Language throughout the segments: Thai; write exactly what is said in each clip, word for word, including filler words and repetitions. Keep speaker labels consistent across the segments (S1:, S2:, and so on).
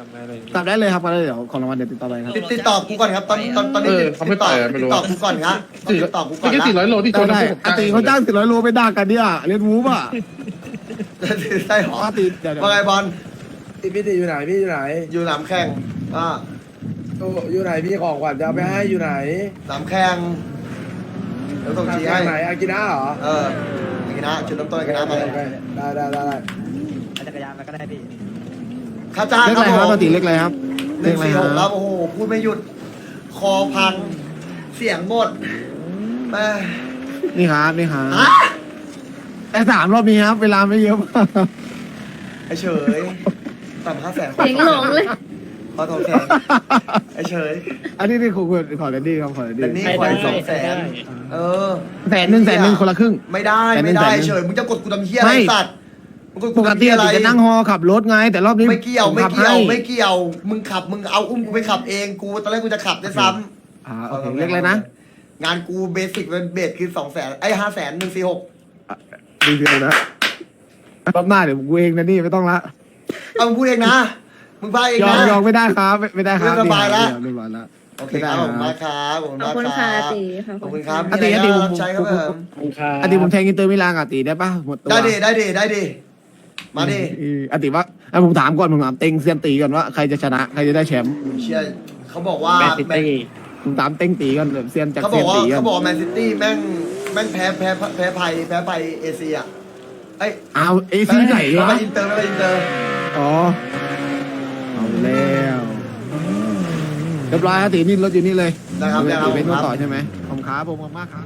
S1: กลับได้เลยครับก็ได้เดี๋ยวของรางวัลเดี๋ยวติดต่อไปครับ
S2: ติดติดต่อกูก่อนครับตอนตอนตอนนี้ติดติดต่อติดต่อกูก่อนครับติดต่อกูก่อน
S3: ไม่
S2: นะ
S3: กี่ร้อยโลที่ชน
S1: ได้อาตีเขาจ้างสี่ร้อยโลไปด่ากันเนี่ยเล่นวูฟอ่ะ
S2: ใช่หรอ
S1: อาตีเดี๋ยว
S2: ว่าไงบอล
S4: พี่พี่ติอยู่ไหนพี่อยู่ไหน
S2: อยู่หนามแข่งอ่า
S4: อยู่ไหนพี่ของขวัญจะเอาไปให้อยู่ไหน
S2: หนามแข่งเดี๋ยวส่งจีให้
S4: ไหนอากิน่าเหรอ
S2: เอออากินะจุดเริ่มต้นอากินะมาเลย
S4: ได้ได้ได้ได้
S5: จักรยานมาก็ได้พี่
S2: ค่าจ้าง
S1: เล็ก
S2: ค
S1: อะไร
S2: รับ
S1: ครับ
S2: ผ
S1: อาม ตีเล็กอะไรครับ
S2: ห
S1: เล็
S2: นึ่
S1: ก
S2: ง
S1: อะไร
S2: สี่
S1: ค
S2: ห
S1: รับ
S2: กครับโอ้โหพูดไม่หยุดคอพังเสียงหมดแม่
S1: นี่ครับนี่ครับ
S2: ฮะ
S1: แต่สามรอบนี้ครับเวลาไม่เยอะมาก
S2: ไอเฉยต่ำห้าแสน
S6: เสียงหลงเลย
S2: ขอสองแสนไอเฉย
S1: อันนี้นี่ขอขอแดนดี้ครับขอแดน
S2: แต่
S1: ดี้
S2: นี่ขออีกสองแสนเออ
S1: แสนหนึ่งแสนหนึ่งคนละครึ่ง
S2: ไม่ได้
S1: แสนหนึ่
S2: ไม่
S1: ง
S2: ได้
S1: แสนหนึ่ง
S2: เฉยมึงจะกดกูทำเฮียอะไร
S1: ไม่
S2: สัตว์มึงกด
S1: ป
S2: กู
S1: ก
S2: ทำ
S1: ติ
S2: เฮียอะไร
S1: จะนั่งฮอขับรถไงแต่รอบนี้
S2: ไม่เกี่ยว
S1: ผ
S2: ไม่
S1: ขับ
S2: เกี่ยว
S1: ให้
S2: ไม่เกี่ยว มึงขับมึงเอาอุ้มกูไปขับเองกูตอนแรกกูจะขับด้วยซ้
S1: อ่า
S2: ำ
S1: โอเคเล็กเลยนะ
S2: งานกูเบสิกเป็นเบสคือสองแสนไอ้ห้าแสนหนึ่งสี่หก
S1: ดีเดียวนะรอบหน้าเดี๋ยวกูเองนะนี่ไม่ต้องละ
S2: เอามึงพูดเองนะมึงพาเอง
S1: ยอ
S2: นะ
S1: มยอมไม่ได้ครับไม่ไม่ได้ครับ
S2: เรื่องสบายละ
S1: เรียบร้อยแล้ว
S2: โอเคครับผมมากครับผม
S6: ขอบ
S2: มาก
S6: คุณ
S2: ค
S6: ค่ะ
S2: รับ
S6: ตี
S2: ขอบคุณครับ
S1: อาตีอาตี
S2: มี
S1: ผ
S2: อะไร
S1: ม
S2: รับใช้ครับผม
S1: อาตีผมแทงอินเตอร์มิลานกับอาตีได้ปะหมดตัว
S2: ได้ดิได้ดิได้ดิมาดิ
S1: เอออาตีว่าอ่ะผมถามก่อนผมถามเต็งเซียนตีก่อนว่าใครจะชนะใครจะได้แชมป์
S2: เชียร์เขาบอกว่า
S5: แมนซิตี้
S1: ผมถามเต็งตีก่อนแบบเซียนจาก
S2: เขาบ
S1: เซี
S2: อย ก
S1: น
S2: ว่า
S1: ตีก่อ
S2: เขา
S1: น
S2: บอกแมนซิตี้แม่งแม่งแพ้แพ้แพ้ภัยแพ้ภัยเอเชียเอ้ย
S1: เอาเอซีไหน
S2: แพ้
S1: วะ
S2: ภัยอินเตอร์แพ้ภัยอินเตอร์
S1: อ๋อเอาแล้วเรียบร้อยอาตีนี่รถอยู่นี่เลย
S2: นะครับ
S1: อา
S2: นะครับ
S1: ตีเป็น
S2: ค
S1: ตัว
S2: รับ
S1: ต่อใช่ไหมผมครับผมขอบคุณมากครับ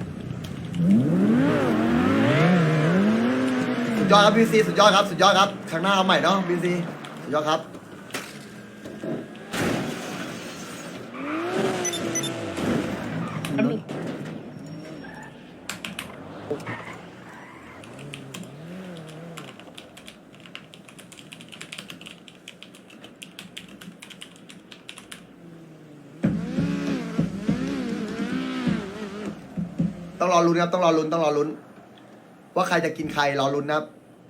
S2: สุดยอดครับบีซีสุดยอดครับสุดยอดครับครั้งหน้าเอาใหม่เนาะบีซีสุดยอดครับต้องรอลุ้นครับต้องรอลุ้นต้องรอลุ้นว่าใครจะกินใครรอลุ้นนะครับ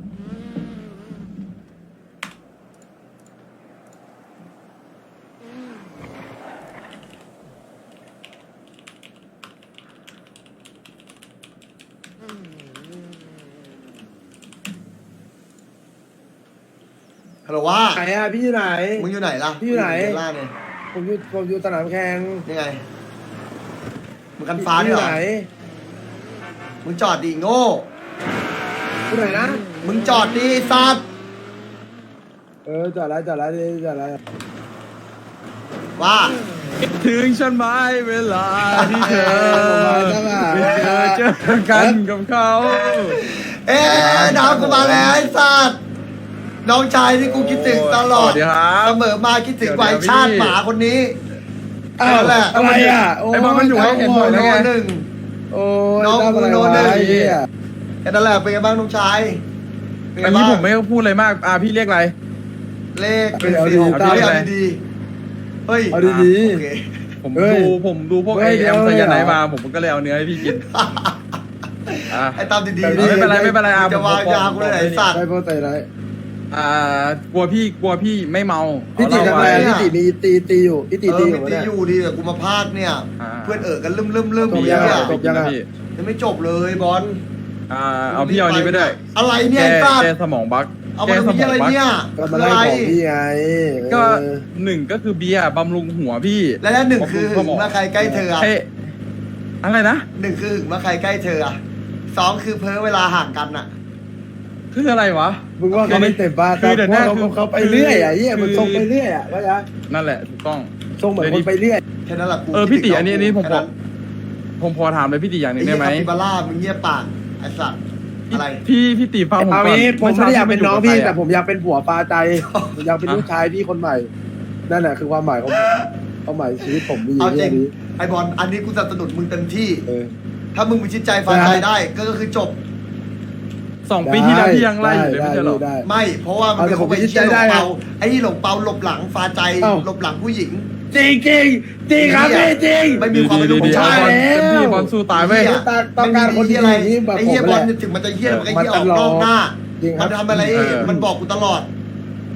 S2: ฮัลโหลว่า
S4: ไหนอะพี่อยู่ไหน
S2: มึงอยู่ไหนล่ะ
S4: พี่อยู่ไหน
S2: เล่าเนี่ย
S4: ผมอยู่ผมอยู่สนามแข่ง
S2: ยังไงมึงกันฟ้า
S4: พี่
S2: ด้
S4: อ
S2: วยเหรอ
S4: ยู่ไหน
S2: มึงจอดดิโง่
S4: อยู่ไหนนะ
S2: มึงจอดดิสัตว์
S4: เออจอดแล้วจอดแล้วจอดแล้ว
S2: ว่า
S3: ถึงฉันไหมเวลาที่เธอ
S4: ผมมา
S3: ไม่
S4: ตั้ง
S3: เจ
S4: แต่
S3: อเจอกันกับเขา
S2: เอ๊ะน้ำกูมาแล้วไอ้สัตว์น้องชายที่กูคิดถึงตลอด
S3: สวัสดีครับ
S2: เสมอมาคิดถึง
S3: เดี๋ยว
S2: ไวชาติ
S3: พี่
S2: หมาคนนี้
S4: อ้าว
S2: นั่นแหละ
S4: อะไรอ่ะ
S3: ไอ้บอลมันอยู่ให้เห็นหมด
S2: โน
S3: แล้วไง
S2: หนึ่ง
S4: โอ้ย
S2: น้อง
S4: ทำอะไร
S2: โน
S4: วะ
S2: หนึ่ง
S4: ไอ้เหี้ย
S2: แค่นั้นแหละเป็นไงบ้างน้องชายเป็นไง
S3: อันนี้
S2: บ้าง
S3: ผมไม่ต้องพูดอะไรมากอ่าพี่เรียกอะไร
S2: เลขหนึ่งสี่หก
S3: เอาดีๆ
S2: เอาดีๆเฮ้ย
S4: เอาดี
S2: โอเค
S3: ผม
S4: เฮ้ย
S3: ดูผมดูพวก
S4: เฮ้
S3: ไอย
S4: เดี๋
S3: แอ
S4: ยว
S3: มสยาไน
S4: เดี๋ยว
S3: มาผมก็เลยเอาเนื้อให้พี่กินอ่า
S2: ไอ้ตามดี
S4: แต่
S2: ๆ
S4: นี่
S2: นี่
S3: ไม่เป็นไรไม่เป็นไรอ่ะ
S2: จะวาง
S3: ผม
S2: ยากูเลยไอ้สัตว์
S4: ได้โปรตีนไร
S3: อ่ากลัวพี่กลัวพี่ไม่เมา
S4: พี่ติ
S3: เอา
S4: ทำ
S3: เห
S4: อะไร
S3: ล้า
S4: อะ
S3: ไว้
S4: พี่ติมีตีตีอยู่พี่ติ
S2: เอ
S4: ตี
S2: อ
S4: อยู่
S2: มี
S4: วะ
S2: ตี
S4: เนี่ย
S2: อยู่ดีแต่กูมาพากเนี่ย
S3: อ่า
S2: เพื่อนเอ๋อกันลืมลืมลืม
S4: จบ
S2: มี
S4: ยัง
S2: เนี่ย
S4: จบยังอะ
S3: พี่
S2: ยังไม่จบเลยบอล
S3: อ่าเอาพี่เอาอันนี้ไปด้วย
S2: อะไรเนี่ย
S3: แก้
S2: ไอ้สัตว์
S3: แก้สมองบั๊ก
S2: เอา
S3: แก้
S2: มา
S3: ส
S2: ทำ
S3: ม
S2: เหี้
S3: อย ง
S2: อะไร
S3: บั๊ก
S2: เนี่ย
S4: ก็มาไล่ของพี่ไง
S3: ก็
S4: เออ
S3: หนึ่งก็คือเบียร์บำรุงหัวพี่
S2: และแล้วหนึ่งคือ
S3: ส
S2: หึง
S3: มอง
S2: เมื่อใครใกล้เธออะ
S3: ให้อะไรนะ
S2: หนึ่งคือหึงเมื่อใครใกล้เธออะสองคือเพ้อเวลาห่างกันอะ
S3: คืออะไรวะ
S4: มึงว่าเขาไม่เต็มบ้าน
S3: คือเดี๋ยว
S4: แต่
S3: นะ
S4: เขา
S3: คือ
S4: เขาไปเรื่อยอ่ะเหี้ย
S3: คือ
S4: มันทรงไปเรื่อยอ่ะว่าจะ
S3: นั่นแหละถูกต้อง
S4: ทรงเหมือนคนไปเรื่อย
S2: แค่นั้นแหละกู
S3: เออพี่ติ
S2: คิดถึง
S3: อันนี้อันนี้ผม
S2: แค่
S3: พอผมพอถามเลยพี่ติอย่างหนึ่งได้ไหม
S2: อ้เหี้ยคาปิบาร่ามึงเงียบปากไอ้สัตว์อะไร
S3: พี่พี่ติฟังผม
S4: เอา
S3: ก่อน
S4: งี้ผมไม่ได้อยากเป็นน้องพี่
S3: เช้
S4: แต่ผมอยากเป็นผัวปลาใจผมอยากเป็นลูกชายพี่คนใหม่ นั่นแหละคือความหมายของผมความหมายชีวิตผมมีอ
S2: เอา
S4: ยู่
S2: จริ
S4: แค่
S2: ง
S4: นี้
S2: ไอบอลอันนี้กูสนับสนุนมึงเต็มที่
S4: เออ
S2: ถ้ามึงมีชิดใจฝ่ายใจได้ก็ก็คือจบ
S3: สองปีที่แล้วพี่ยังไล่อยู่เลย
S4: ได้
S3: ไม่ใช่เหรอ
S4: ได้
S2: ไม่ เพราะว่ามัน
S4: เอาแต่
S2: เป็น
S4: ผม
S2: คนไป
S4: ไม่
S2: เชี่ยหล
S4: ได้
S2: ง
S4: นะ
S2: เปาไอ้นี่หลงเปาหลบหลังฟาใจ
S4: เอ้า
S2: หลบหลังผู้หญิง
S4: จริงจริงจริงครับพี่จริง
S2: ไม่มีความเป็นลูก
S3: ดี
S2: ผู้
S3: ๆ
S2: ชาย
S3: บอล
S4: แล้ว
S3: เต็มที่บอลสู้ตายเว้ย
S2: เหี้ย
S4: ต้องการคนที่
S2: อะไร
S4: ดีแบบ
S2: ไอ้เหี้ย
S4: ผม
S2: บอล
S4: แหละ
S2: ถึงมันจะเหี้ยมันก็
S4: มัน
S2: เหี้ยออก
S4: ตลอด
S2: นอกหน้า
S4: จริงครับ
S2: มันทำอะไร
S3: เออ
S2: มันบอกกูตลอด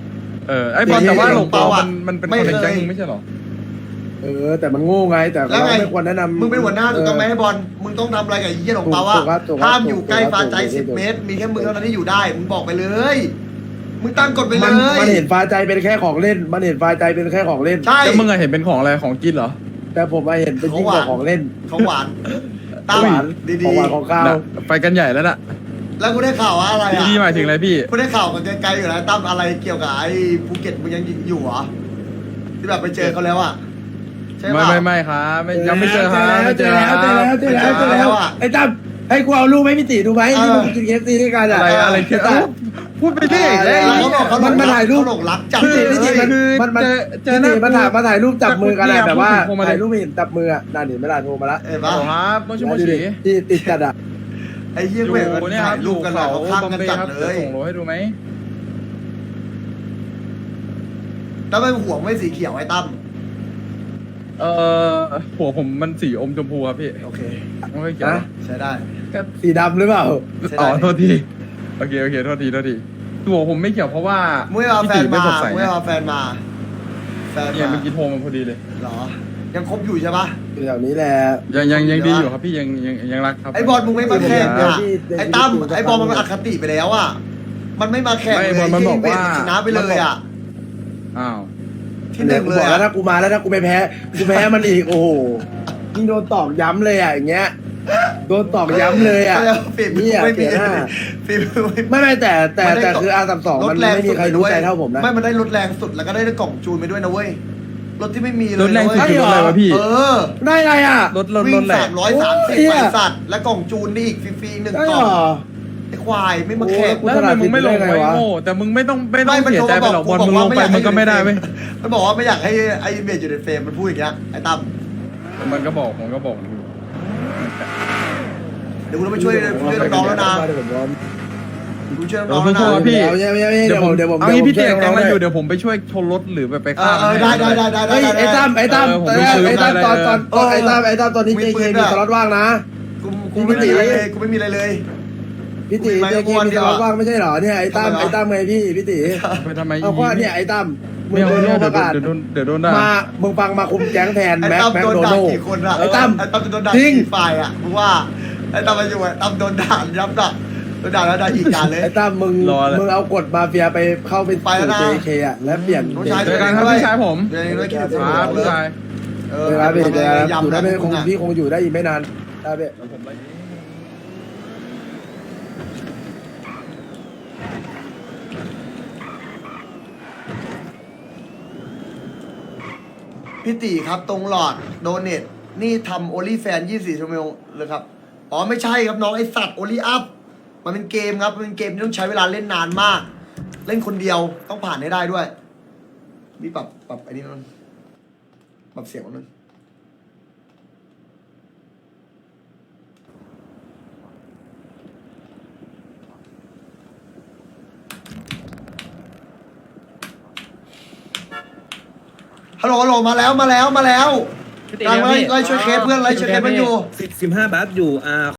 S3: เออไอ้บอลแต่ว่าหลงเปา
S2: หลงเปาอะ
S3: มันมันเป็น
S2: ไม่
S3: คนใน
S2: เคย
S3: แก๊งมึงไม่ใช่เหรอ
S4: เออ แต่มันโง่ไงแต่
S2: แล้ว
S4: เรา
S2: ไง
S4: ไม่ควรแนะนำ
S2: มึงเป็นหัวหน้าถูกต้องไหม
S4: เ
S2: ให้บอลมึงต้องทำอะไรกับไอ้เหี้ยหลงเปา
S4: ถู
S2: ว่าก
S4: ครับถูกครับ
S2: ห้ามอยู่ใกล้
S4: ถูกครับ
S2: ฟาใจ
S4: ถูก
S2: สิบ
S4: ถูก
S2: เมตร มีแค่มึงเท่านั้นที่อยู่ได้มึงบอกไปเลย มึงตั้งกฎไปเล
S4: มัน
S2: ย
S4: มันเห็นฟ้าใจเป็นแค่ของเล่น มันเห็นฟ้าใจเป็นแค่ของเล่น
S2: ใช่
S3: แล้วมึงอะเห็นเป็นของอะไรของกินเหรอ
S4: แต่ผมมาเห็นเป็นยิ่งกว่าของเล่น
S2: ของหวานตั้ง
S4: หวาน
S2: ดี
S4: ของหวานของข้าว
S3: น่ะไปกันใหญ่แล้วน่ะ
S2: ๆแล้วกูได้ข่าวว่าอะไรอ่ะ
S3: ดีๆหมายถึงอะไรพี่
S2: กูได้ข่าวมันไกลๆอยู่นะตั้มอะไรเกี่ยวกับไอ้ภูเก็ตมึงยังอยู่เหรอที่แบบไปเจอเขาแล้วอ่ะใช่
S3: ไม่
S2: ปะ
S3: ไม่ไม่ครับไม่ยังไม่เจอครับไม่
S4: เจ
S3: เจ
S4: อ
S3: อ
S4: แล้ว
S3: ค
S4: เจอ
S3: รั
S4: แล้ว
S3: บ
S4: เจอแล้วเจอแล้ว ไอ้ตั้มให้กูเอารูปให้พี่ตีดูไหมที่มึงกินเคฟซีด้วยกันอะ
S3: อะไรอะไรคือเอ้าพูดไปเรื่อย
S4: อะไร
S3: เลย
S2: เขาบอกเขาหล
S4: มัน
S2: ง
S4: มาถ่ายรูป
S2: เขาหลงรักจัด
S3: คือ
S2: เลย
S4: พี่ตีมัน
S3: คือ
S4: มันมัน
S3: เจอเจอ
S4: พี่
S3: หน้า
S4: ตีมาถ่ายมาถ่ายรูปจับมือกันอะ
S3: เนี่ย
S4: แบบว่า
S3: พูดถึงผมมาเลย
S4: ถ่ายรูปไม่เห็นจับมืออะนั่นเห็นไหมล่ะโทรมาละ
S2: เห็น
S3: ฮั
S2: ปะ
S3: ลโหลครับโมชิโม
S4: ดู
S3: ชิ
S4: ดิที่ติดจัดอะ
S2: ไอ้เหี้ย
S3: อยู่
S2: เว้ยมัน
S3: เนี่ยค
S2: ถ่า
S3: รับ
S2: ย
S3: อ
S2: รู
S3: ยู่
S2: ปกัน
S3: เขา
S2: เขาข้าง
S3: บอม
S2: กัน
S3: เบย์
S2: จัด
S3: ครับ
S2: เล
S3: จะ
S2: ย
S3: ส่งโลให้ดูไหม
S2: แล้วไม่ห่วงไม่สีเขียวไอ้ตั้ม
S3: เออหัวผมมันสีอมชมพูครับพี่
S2: โอเค
S3: ไม่ค่อยเกี่ยว
S4: นะ
S2: ใช้ได้
S4: สีดำหรือเปล่า
S2: ใช้
S3: อ๋
S2: ได้
S3: อโทษทีโอเคโอเคโทษทีโทษทีตัวผมไม่เกี่ยวเพราะว่า
S2: มุ้ยเอาแฟ
S3: พี่
S2: น
S3: ตีไม่
S2: มา
S3: สดใส
S2: มุ้ยเอาแฟนมาแฟน
S3: เนี่ย
S2: มา
S3: เมื่อกี้โทรมาพอดีเลย
S2: เหรอ ยังคบอยู่ใช่ปะ
S4: อยู่แถวนี้แหละ
S3: ยังยังยังดีอยู่ครับพี่ยังยังยังรักครับ
S2: ไอ้บอลมึงไม่มาแข่ง
S4: เดี๋ยว
S2: อ่ะ
S4: พี่เดี๋ยว
S2: ไอ้ตั้ม
S4: พี่ดู
S2: ไอ้บอลมันอคติไปแล้วอ่ะมันไม่มาแข่ง
S3: ไม่
S2: เลย
S3: บอลมันบอกว่า
S2: ชนะไปเลยอ่ะ
S3: อ้าว
S2: ที่หนึ่งเลย
S4: บอกแล้ว
S2: อ่ะ
S4: ถ้ากูมาแล้วถ้ากูไปแพ้กูแพ้มันอีกโอ้โหยิ่งโดนตอกย้ำเลยอ่ะอย่างเงี้ยโดนตอกย้ำเลยอ่ะ
S2: ฝีมือ
S4: เนี่ย
S2: ไม่มี
S4: เสียหน้า
S2: ฝีมือไม่มี
S4: ไม่ไม่แต่แต่
S2: มันได้
S4: แต่คืออาสามสอง
S2: ร
S4: มั
S2: ถ
S4: น
S2: แรง
S4: ไม่มีใครรู้ใจเท่าผมนะ
S2: ไม่มันได้รถแรงสุดแล้วก็ได้กล่องจูนไปด้วยนะเว้ยรถที่ไม่มีเลย
S3: รถแรงสุด
S2: นะ
S3: คือรถอะไรวะพี่
S2: เออ
S4: ได้ไรอ่ะ
S3: รถรถร
S2: วิ่
S3: ถ
S2: ง
S3: แหล
S2: สาก มร้อยสามสิบ
S4: โอ้ย
S2: ไปสัตว์และกล่องจูนนี่อีกฟรีๆหนึ่ง
S4: ได้
S2: ก
S4: เห
S2: ล่
S4: ร
S2: อง
S4: อ
S2: ไอ้ควายไม่มาแข่ง
S4: โอ้
S3: แล้วทำไมมึงไม่ลง
S4: ได้
S3: ไว้
S4: ไงวะ
S3: โง่แต่มึงไม่ต้องไม่ต้อง
S2: ไม่มัน
S3: เสียใจไปหรอกบอลมึงลงไปมันก็ไม่ได้เว้ย
S2: มันบอกว่าไม่อยากให้ไอ้เมจอยู่ในเฟรมมันพูดอย่างเงี้ยไอ้ตั้ม
S3: มันก็บอกผมก็บอก
S2: เดี๋ยวกูต้องไปช่วยช่วยน้องๆแล้วนะ
S4: เดี๋ยวผมรอ
S2: กูช่วย
S3: เอ
S2: น้
S3: อ
S2: องๆแล้ว
S3: สู้ๆครั
S2: นะ
S3: บพี่
S4: เดี๋ยวเดี๋ยวเดี๋ยวเดี๋ยวผม
S3: เอา
S4: เดี๋ยว
S3: งี้
S4: ผม
S3: พี่เตะ
S4: ช่วย
S3: แกง
S4: น้
S3: มา
S4: องๆ
S3: อยู่เดี๋ยวผมไปช่วยชนรถหรือไปไป
S2: เอ
S3: ฆ่า
S2: อเออได้ได้ได้ได้ได้
S4: เฮ้ยไอ้ตั้มไอ้ตั้ม
S3: เออผม
S4: ไอ้
S3: ไปซื้อ
S4: ตั้ม
S3: ได้
S4: ตอนตอน
S2: เออ
S4: ไอ้ตั้มไอ้ตั้มตอนนี้
S2: มี
S4: เจ
S2: ปื
S4: เคน
S2: ด้วย
S4: มีสล็อตว่างนะ
S2: กูกูไม่มีอะไรเลยกูไม่มีอะไรเลย
S4: พี่ตี
S2: ไม่
S4: เจ
S2: ไม่
S4: เคนมี
S2: เดี
S4: ส
S2: ยว
S4: ล็อตว่างไม่ใช่เหรอเนี่ยไอ้ตั้ม
S2: ทำไมวะ
S4: ไอ้ตั้มไงพี่พี่ตี
S3: ไปทำไม
S4: เอาก็เนี่ยไอ้ตั้มมึ
S3: ไม่
S4: ง
S3: เอา
S4: โดน
S3: ไม่
S4: โล
S3: เอา
S4: ประ
S3: เดี๋ยว
S4: กาศ
S3: โดนเดี๋ยวโดนด่า
S4: มามึงฟังมาคุมแก๊งแทน
S2: ไอ้
S4: แม็ก
S2: ตั้ม
S4: แม็ก
S2: โดน
S4: โด
S2: ด่า
S4: โน่
S2: กี่คนอะ
S4: ไอ้ตั้ม
S2: ไอ้ตั้มจะโดนด่า
S4: จริง
S2: กี่ฝ่ายอะมึงว่าไอ้ตั้มมาอยู่ไอ้ตั้มโดนด่ายับด่าโดนด่าแล้วด่าอีกด่าเลย
S4: ไอ้ตั้มมึง
S3: รอเลย
S4: มึงเอากฎมาเฟียไปเข้าไป
S2: ไปแล้วนะ
S4: สู่ เจ เค อ่ะและเปลี่ยน
S2: น้องชาย
S3: เจอกันครับพี่ชายผม
S2: เดี๋ยวนี้ด้วยคิดถึง
S3: ครับพี่ชาย
S2: เอ
S4: เอ
S2: อ
S4: อครับพี่
S2: ทำ
S4: เจอ
S2: ไม
S4: กันครับอยู่
S2: ยำ
S4: ได้
S2: นะ
S4: ไม่คง
S2: มึงอะ
S4: พี่คงอยู่ได้อีกไม่นานได้พี่
S2: พี่ตีครับตรงหลอดโดเนทนี่ทำโอลี่แฟนยี่สิบสี่ชั่วโมงเลยครับอ๋อไม่ใช่ครับน้องไอสัตว์โอลี่อัพมันเป็นเกมครับมันเป็นเกมที่ต้องใช้เวลาเล่นนานมาก เล่นคนเดียวต้องผ่านให้ได้ด้วยนี่ปรับปรับไอ้นี่มันปรับเสียงมันฮัลโหลฮัลโหลมาแล้วมาแล้วมาแล้วกำลังไล่ไล่ช่วยเคสเพื่อนไล่ช่วยเคสมันอยู่
S6: สิบห้าบาทอยู่อ่า